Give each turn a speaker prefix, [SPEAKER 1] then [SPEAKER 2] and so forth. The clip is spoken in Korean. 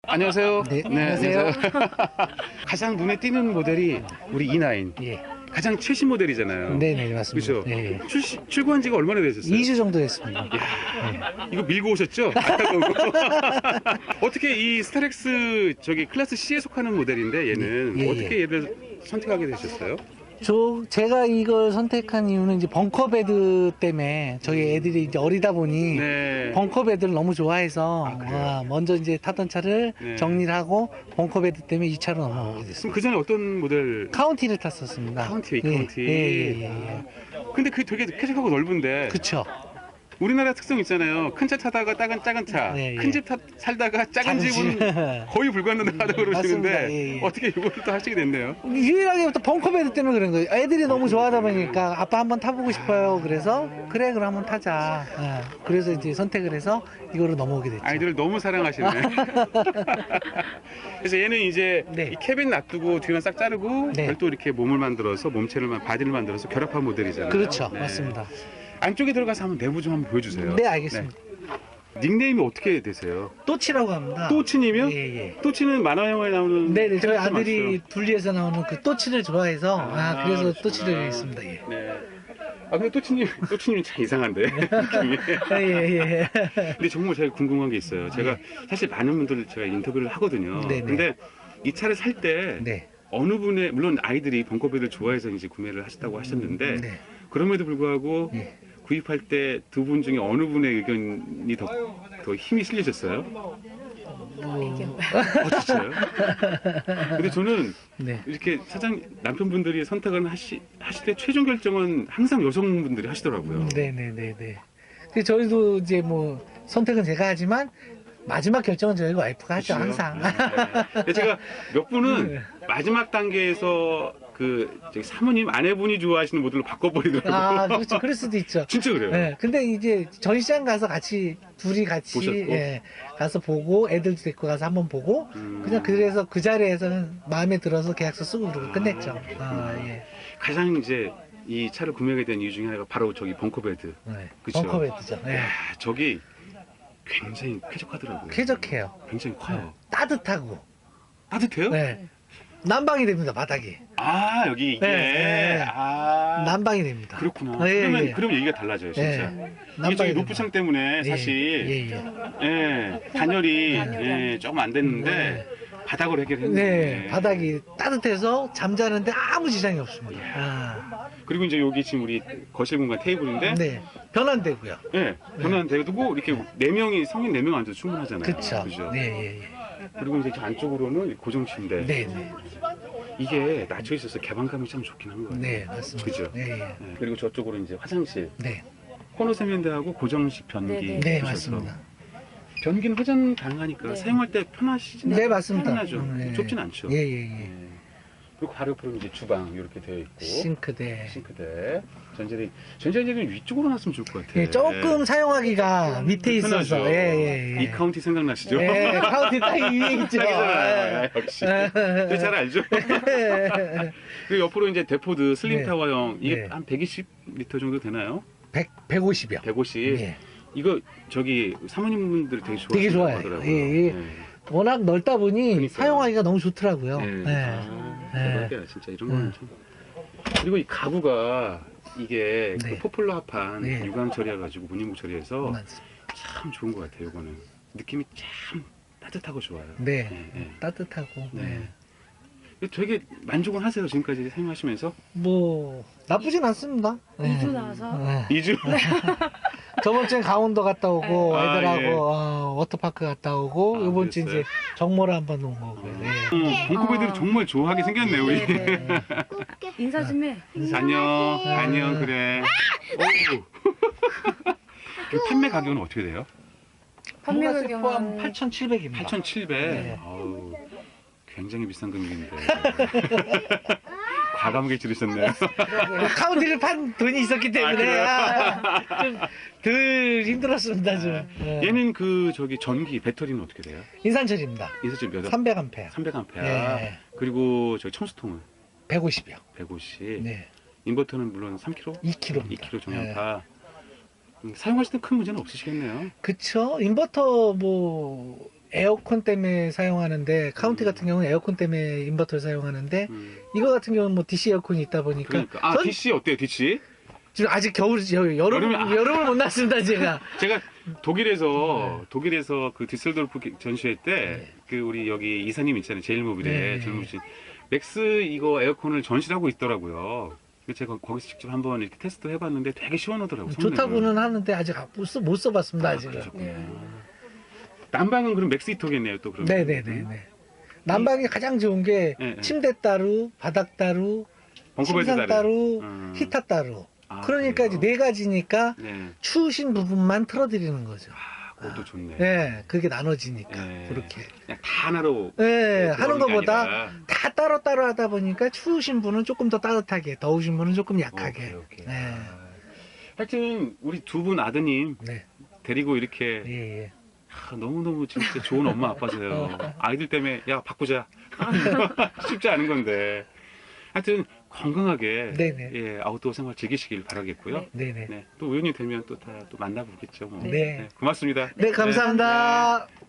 [SPEAKER 1] 안녕하세요.
[SPEAKER 2] 네, 안녕하세요.
[SPEAKER 1] 가장 눈에 띄는 모델이 우리 E9.
[SPEAKER 2] 예.
[SPEAKER 1] 가장 최신 모델이잖아요.
[SPEAKER 2] 네네, 맞습니다.
[SPEAKER 1] 그죠?
[SPEAKER 2] 예.
[SPEAKER 1] 출고한 지가 얼마나 되셨어요?
[SPEAKER 2] 2주 정도 됐습니다.
[SPEAKER 1] 이거 밀고 오셨죠? 어떻게 이 스타렉스 저기 클래스 C에 속하는 모델인데 얘는
[SPEAKER 2] 예, 예.
[SPEAKER 1] 어떻게 얘를 선택하게 되셨어요?
[SPEAKER 2] 제가 이걸 선택한 이유는 이제 벙커베드 때문에 저희 애들이 이제 어리다 보니
[SPEAKER 1] 네.
[SPEAKER 2] 벙커베드를 너무 좋아해서
[SPEAKER 1] 그래요?
[SPEAKER 2] 먼저 이제 타던 차를
[SPEAKER 1] 네.
[SPEAKER 2] 정리를 하고 벙커베드 때문에 이 차로 넘어오게
[SPEAKER 1] 그럼
[SPEAKER 2] 됐습니다.
[SPEAKER 1] 그 전에 어떤 모델?
[SPEAKER 2] 카운티를 탔었습니다.
[SPEAKER 1] 카운티,
[SPEAKER 2] 예,
[SPEAKER 1] 카운티.
[SPEAKER 2] 예.
[SPEAKER 1] 근데 그게 되게 쾌적하고 넓은데
[SPEAKER 2] 그쵸.
[SPEAKER 1] 우리나라 특성 있잖아요. 큰 차 타다가 작은 차,
[SPEAKER 2] 네, 예.
[SPEAKER 1] 큰 집 살다가 작은
[SPEAKER 2] 작은
[SPEAKER 1] 집은
[SPEAKER 2] 집.
[SPEAKER 1] 거의 불가능하다고 그러시는데
[SPEAKER 2] 맞습니다. 예, 예.
[SPEAKER 1] 어떻게 이걸 또 하시게 됐네요?
[SPEAKER 2] 유일하게 또 벙커베드 때문에 그런 거예요. 애들이 너무 좋아하다 보니까 아빠 한번 타보고 싶어요. 그래서 그래 그럼 한번 타자. 그래서 이제 선택을 해서 이거로 넘어오게 됐죠.
[SPEAKER 1] 아이들을 너무 사랑하시네. 그래서 얘는 이제
[SPEAKER 2] 네.
[SPEAKER 1] 이 캐빈 놔두고 뒤만 싹 자르고
[SPEAKER 2] 네.
[SPEAKER 1] 별도 이렇게 몸을 만들어서 바디를 만들어서 결합한 모델이잖아요.
[SPEAKER 2] 그렇죠.
[SPEAKER 1] 네.
[SPEAKER 2] 맞습니다.
[SPEAKER 1] 안쪽에 들어가서 한번 내부 좀 한번 보여주세요.
[SPEAKER 2] 네, 알겠습니다.
[SPEAKER 1] 네. 닉네임이 어떻게 되세요?
[SPEAKER 2] 또치라고 합니다.
[SPEAKER 1] 또치님이요?
[SPEAKER 2] 예, 예.
[SPEAKER 1] 또치는 만화 영화에 나오는
[SPEAKER 2] 네네, 저희
[SPEAKER 1] 캐릭터
[SPEAKER 2] 아들이
[SPEAKER 1] 맞죠?
[SPEAKER 2] 둘리에서 나오는 그 또치를 좋아해서, 그래서
[SPEAKER 1] 그러시구나.
[SPEAKER 2] 또치를 했습니다. 예.
[SPEAKER 1] 네. 근데 또치님이 참 이상한데 느낌이.
[SPEAKER 2] 예.
[SPEAKER 1] 근데 정말 제가 궁금한 게 있어요. 제가 사실 많은 분들 제가 인터뷰를 하거든요.
[SPEAKER 2] 네네.
[SPEAKER 1] 근데 이 차를 살 때
[SPEAKER 2] 네.
[SPEAKER 1] 어느 분의 물론 아이들이 벙커베드를 좋아해서 이제 구매를 하셨다고 하셨는데
[SPEAKER 2] 네.
[SPEAKER 1] 그럼에도 불구하고
[SPEAKER 2] 예.
[SPEAKER 1] 구입할 때 두 분 중에 어느 분의 의견이 더 힘이 실리셨어요? 진짜요? 근데 저는
[SPEAKER 2] 네.
[SPEAKER 1] 이렇게 남편분들이 선택을 하실 때 최종 결정은 항상 여성분들이 하시더라고요.
[SPEAKER 2] 네네네네. 그래서 저희도 이제 뭐, 선택은 제가 하지만, 마지막 결정은 저희 와이프가 하죠,
[SPEAKER 1] 그렇죠?
[SPEAKER 2] 항상.
[SPEAKER 1] 네. 근데 제가 몇 분은
[SPEAKER 2] 네.
[SPEAKER 1] 마지막 단계에서 저기 사모님 아내분이 좋아하시는 모델로 바꿔버리더라고요.
[SPEAKER 2] 그렇죠. 그럴 수도 있죠.
[SPEAKER 1] 진짜 그래요.
[SPEAKER 2] 네, 근데 이제 전시장 가서 둘이 같이
[SPEAKER 1] 보셨고?
[SPEAKER 2] 가서 보고 애들도 데리고 가서 한번 보고 그냥 그래서 그 자리에서는 마음에 들어서 계약서 쓰고 그러고 끝냈죠. 예.
[SPEAKER 1] 가장 이제 이 차를 구매하게 된 이유 중에 하나가 바로 저기 벙커베드.
[SPEAKER 2] 네.
[SPEAKER 1] 그쵸?
[SPEAKER 2] 벙커베드죠. 네.
[SPEAKER 1] 야, 저기 굉장히 쾌적하더라고요.
[SPEAKER 2] 쾌적해요.
[SPEAKER 1] 굉장히 커요.
[SPEAKER 2] 따뜻하고.
[SPEAKER 1] 따뜻해요?
[SPEAKER 2] 네. 난방이 됩니다, 바닥이.
[SPEAKER 1] 여기 이게.
[SPEAKER 2] 네. 난방이 됩니다.
[SPEAKER 1] 그렇구나.
[SPEAKER 2] 예.
[SPEAKER 1] 그럼 얘기가 달라져요, 진짜.
[SPEAKER 2] 네.
[SPEAKER 1] 이게 저기
[SPEAKER 2] 난방이
[SPEAKER 1] 루프창 때문에
[SPEAKER 2] 됩니다.
[SPEAKER 1] 사실
[SPEAKER 2] 예.
[SPEAKER 1] 단열이 조금 안 됐는데 바닥으로 해결했는데.
[SPEAKER 2] 네. 바닥이 따뜻해서 잠자는데 아무 지장이 없습니다.
[SPEAKER 1] 그리고 이제 여기 지금 우리 거실 공간 테이블인데
[SPEAKER 2] 네. 변환되고요.
[SPEAKER 1] 변환되고 이렇게 성인 4명 앉아도 충분하잖아요.
[SPEAKER 2] 그쵸. 네, 예.
[SPEAKER 1] 그리고 이제 저 안쪽으로는 고정 침대.
[SPEAKER 2] 네.
[SPEAKER 1] 이게 낮춰 있어서 개방감이 참 좋긴 한 것 같아요.
[SPEAKER 2] 네, 맞습니다.
[SPEAKER 1] 그죠?
[SPEAKER 2] 네.
[SPEAKER 1] 네. 그리고 저쪽으로 이제 화장실.
[SPEAKER 2] 네.
[SPEAKER 1] 코너 세면대하고 고정식 변기.
[SPEAKER 2] 네,
[SPEAKER 1] 주셔서.
[SPEAKER 2] 맞습니다.
[SPEAKER 1] 변기는 회전 가능하니까 사용할 때 편하시진
[SPEAKER 2] 네, 맞습니다.
[SPEAKER 1] 편하죠.
[SPEAKER 2] 네.
[SPEAKER 1] 좁진 않죠.
[SPEAKER 2] 예.
[SPEAKER 1] 네. 그리고 바로 옆으로 이제 주방 이렇게 되어 있고
[SPEAKER 2] 싱크대.
[SPEAKER 1] 전자레인지는 위쪽으로 놨으면 좋을 것 같아요.
[SPEAKER 2] 예, 조금 사용하기가 밑에 있어서. 예.
[SPEAKER 1] 이 카운티 생각나시죠?
[SPEAKER 2] 예, 카운티 딱 위에 있죠.
[SPEAKER 1] 딱이잖아요. 역시. 잘 알죠? 그리고 옆으로 이제 데포드 슬림
[SPEAKER 2] 네.
[SPEAKER 1] 타워형 이게
[SPEAKER 2] 네.
[SPEAKER 1] 한 120리터 정도 되나요?
[SPEAKER 2] 150이요.
[SPEAKER 1] 150.
[SPEAKER 2] 예.
[SPEAKER 1] 이거 저기 사모님분들 되게
[SPEAKER 2] 되게 좋아해요.
[SPEAKER 1] 좋아하더라고요.
[SPEAKER 2] 예. 워낙 넓다 보니
[SPEAKER 1] 그러니까요.
[SPEAKER 2] 사용하기가 너무 좋더라고요.
[SPEAKER 1] 대박이야 진짜 이런 거는 참. 그리고 이 가구가 이게
[SPEAKER 2] 네.
[SPEAKER 1] 그 포플러 합판
[SPEAKER 2] 네.
[SPEAKER 1] 유광 처리해가지고 무늬목 처리해서
[SPEAKER 2] 맞습니다.
[SPEAKER 1] 참 좋은 것 같아요. 이거는 느낌이 참 따뜻하고 좋아요.
[SPEAKER 2] 네.
[SPEAKER 1] 네.
[SPEAKER 2] 따뜻하고.
[SPEAKER 1] 네. 되게 만족은 하세요 지금까지 사용하시면서?
[SPEAKER 2] 뭐 나쁘진 않습니다.
[SPEAKER 3] 2주 나와서
[SPEAKER 1] 2주?
[SPEAKER 2] 저번 주엔 강원도 갔다 오고 애들하고
[SPEAKER 1] 예.
[SPEAKER 2] 워터파크 갔다 오고 이번 주
[SPEAKER 1] 그랬어요?
[SPEAKER 2] 이제 정모를 한번 온 거고요.
[SPEAKER 1] 벙커베드를 정말 좋아하게 생겼네 우리.
[SPEAKER 3] 인사 좀 해.
[SPEAKER 1] 안녕 그래. 오. 그 판매 가격은 어떻게 돼요?
[SPEAKER 3] 판매
[SPEAKER 2] 판매세 포함
[SPEAKER 3] 가격은
[SPEAKER 2] 8,700입니다.
[SPEAKER 1] 8,700.
[SPEAKER 2] 네.
[SPEAKER 1] 아우, 굉장히 비싼 금액인데. 과감하게 지르셨네요.
[SPEAKER 2] 카운티를 판 돈이 있었기 때문에 좀 덜 힘들었습니다. 좀.
[SPEAKER 1] 얘는 저기 전기 배터리는 어떻게 돼요?
[SPEAKER 2] 인산철입니다.
[SPEAKER 1] 인수점 몇
[SPEAKER 2] 300A.
[SPEAKER 1] 300A.
[SPEAKER 2] 네.
[SPEAKER 1] 그리고 저기 첨수통은
[SPEAKER 2] 150이요.
[SPEAKER 1] 150.
[SPEAKER 2] 네.
[SPEAKER 1] 인버터는 물론 3kg?
[SPEAKER 2] 2kg.
[SPEAKER 1] 2kg 정량파. 사용하실 때 큰 문제는 없으시겠네요.
[SPEAKER 2] 그쵸. 인버터 뭐 에어컨 때문에 사용하는데 카운티 같은 경우는 에어컨 때문에 인버터를 사용하는데 이거 같은 경우는 뭐 DC 에어컨이 있다 보니까
[SPEAKER 1] 그러니까. 아, DC 어때요, DC?
[SPEAKER 2] 지금 아직 여름을 못 났습니다 제가.
[SPEAKER 1] 제가 독일에서 그 디셀도르프 전시회 때 그 우리 여기 이사님 있잖아요. 제일모빌에
[SPEAKER 2] 네.
[SPEAKER 1] 젊으신 맥스 이거 에어컨을 전시를 하고 있더라고요. 그래서 제가 거기서 직접 한번 이렇게 테스트 해봤는데 되게 시원하더라고요.
[SPEAKER 2] 좋다고는 하는데 아직 못 써봤습니다 아직은.
[SPEAKER 1] 그러셨구나. 난방은 그럼 맥스 히터겠네요, 또 그러면.
[SPEAKER 2] 네네네네. 난방이 가장 좋은 게
[SPEAKER 1] 네, 네.
[SPEAKER 2] 침대 따로, 바닥 따로,
[SPEAKER 1] 벙커베드
[SPEAKER 2] 침상 따로,
[SPEAKER 1] 음.
[SPEAKER 2] 히터 따로.
[SPEAKER 1] 아,
[SPEAKER 2] 그러니까 이제
[SPEAKER 1] 그래요?
[SPEAKER 2] 네 가지니까
[SPEAKER 1] 네.
[SPEAKER 2] 추우신 부분만 틀어드리는 거죠.
[SPEAKER 1] 아, 그것도 좋네.
[SPEAKER 2] 네, 그게 나눠지니까
[SPEAKER 1] 네.
[SPEAKER 2] 그렇게.
[SPEAKER 1] 그냥 다 하나로.
[SPEAKER 2] 네,
[SPEAKER 1] 네,
[SPEAKER 2] 하는
[SPEAKER 1] 들어오는 게
[SPEAKER 2] 것보다
[SPEAKER 1] 아니라.
[SPEAKER 2] 다 따로따로 하다 보니까 추우신 분은 조금 더 따뜻하게, 더우신 분은 조금 약하게.
[SPEAKER 1] 오케이.
[SPEAKER 2] 네.
[SPEAKER 1] 하여튼 우리 두 분 아드님
[SPEAKER 2] 네.
[SPEAKER 1] 데리고 이렇게
[SPEAKER 2] 예, 예.
[SPEAKER 1] 너무너무 진짜 좋은 엄마 아빠세요. 아이들 때문에 야 바꾸자. 쉽지 않은 건데. 하여튼 건강하게
[SPEAKER 2] 네네.
[SPEAKER 1] 예, 아웃도어 생활 즐기시길 바라겠고요.
[SPEAKER 2] 네네.
[SPEAKER 1] 네, 또 우연히 되면 또 다 또 만나보겠죠. 뭐.
[SPEAKER 2] 네.
[SPEAKER 1] 고맙습니다.
[SPEAKER 2] 네, 감사합니다.